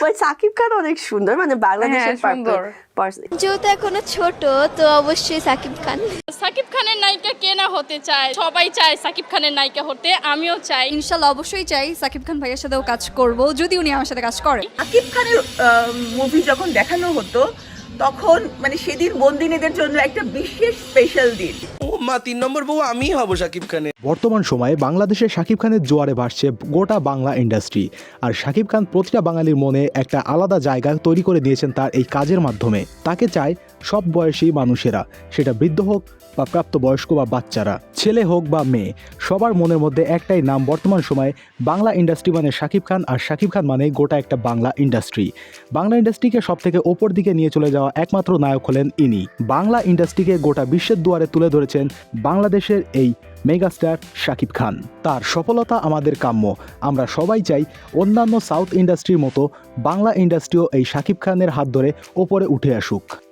But Shakib খান অনেক সুন্দর, মানে বাংলাদেশের সুন্দর। যেহেতু এখনো ছোট তো অবশ্যই সাকিব খান। সাকিব খানের নায়িকা কে না হতে চায়, সবাই চায় সাকিব খানের নায়িকা হতে, আমিও চাই। ইনশাল্লাহ অবশ্যই চাই সাকিব খান ভাইয়ের সাথেও কাজ করব, যদি উনি আমার সাথে কাজ করে। সাকিব খানের মুভি যখন দেখানো হতো তখন মানে সেদিন বন্দিনীদের জন্য একটা বিশেষ স্পেশাল দিন। ও মা, 3 নম্বর বউ আমিই হব শাকিব খানের। বর্তমান সময়ে বাংলাদেশে শাকিব খানের জোয়ারে ভাসছে গোটা বাংলা ইন্ডাস্ট্রি। আর শাকিব খান প্রতিটা বাঙালির মনে একটা আলাদা জায়গা তৈরি করে দিয়েছেন তার এই কাজের মাধ্যমে। তাকে চায় সব বয়সী মানুষেরা, সেটা বৃদ্ধ হোক বা প্রাপ্তবয়স্ক বা বাচ্চারা, ছেলে হোক বা মেয়ে, সবার মনের মধ্যে একটাই নাম বর্তমান সময়ে বাংলা ইন্ডাস্ট্রি মানে শাকিব খান, আর শাকিব খান মানে গোটা একটা বাংলা ইন্ডাস্ট্রি। বাংলা ইন্ডাস্ট্রিকে সব থেকে ওপর দিকে নিয়ে চলে যাওয়া একমাত্র নায়ক হলেন ইনি। বাংলা ইন্ডাস্ট্রিকে গোটা বিশ্বের দুয়ারে তুলে ধরেছেন বাংলাদেশের এই মেগাস্টার শাকিব খান। তার সফলতা আমাদের কাম্য। আমরা সবাই চাই অন্যান্য সাউথ ইন্ডাস্ট্রির মতো বাংলা ইন্ডাস্ট্রিও এই শাকিব খানের হাত ধরে ওপরে উঠে আসুক।